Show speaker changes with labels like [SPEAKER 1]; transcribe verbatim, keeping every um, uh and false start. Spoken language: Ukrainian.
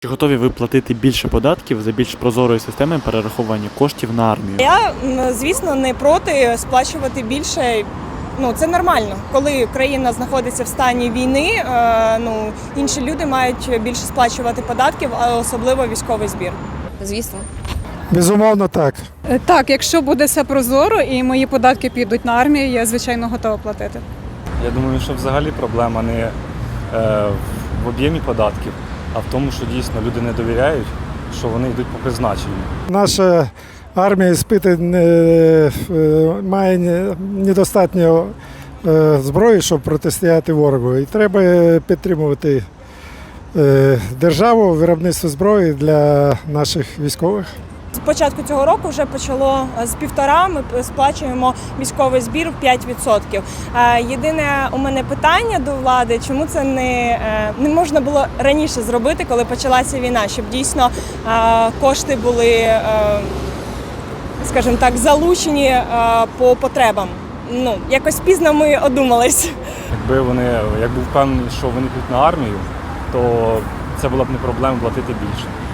[SPEAKER 1] Чи готові ви платити більше податків за більш прозорою системою перерахування коштів на армію?
[SPEAKER 2] Я, м, звісно, не проти сплачувати більше. Ну, це нормально. Коли країна знаходиться в стані війни, е, ну, інші люди мають більше сплачувати податків, а особливо військовий збір.
[SPEAKER 3] Звісно.
[SPEAKER 4] Безумовно, так.
[SPEAKER 5] Е, Так, якщо буде все прозоро і мої податки підуть на армію, я, звичайно, готова платити.
[SPEAKER 6] Я думаю, що взагалі проблема не е, в об'ємі податків, а в тому, що дійсно люди не довіряють, що вони йдуть по призначенню.
[SPEAKER 4] Наша армія спити не, е, має не- недостатньо е, зброї, щоб протистояти ворогу. І треба підтримувати е, державу, виробництво зброї для наших військових.
[SPEAKER 2] З початку цього року вже почало з півтора, ми сплачуємо військовий збір в п'ять відсотків. Е, Єдине у мене питання до влади, чому це не, е, не можна було раніше зробити, коли почалася війна, щоб дійсно е, кошти були, е, скажімо так, залучені е, по потребам. Ну, якось пізно ми одумались.
[SPEAKER 6] Якби вони, як був впевнений, що вони йдуть на армію, то це була б не проблема платити більше.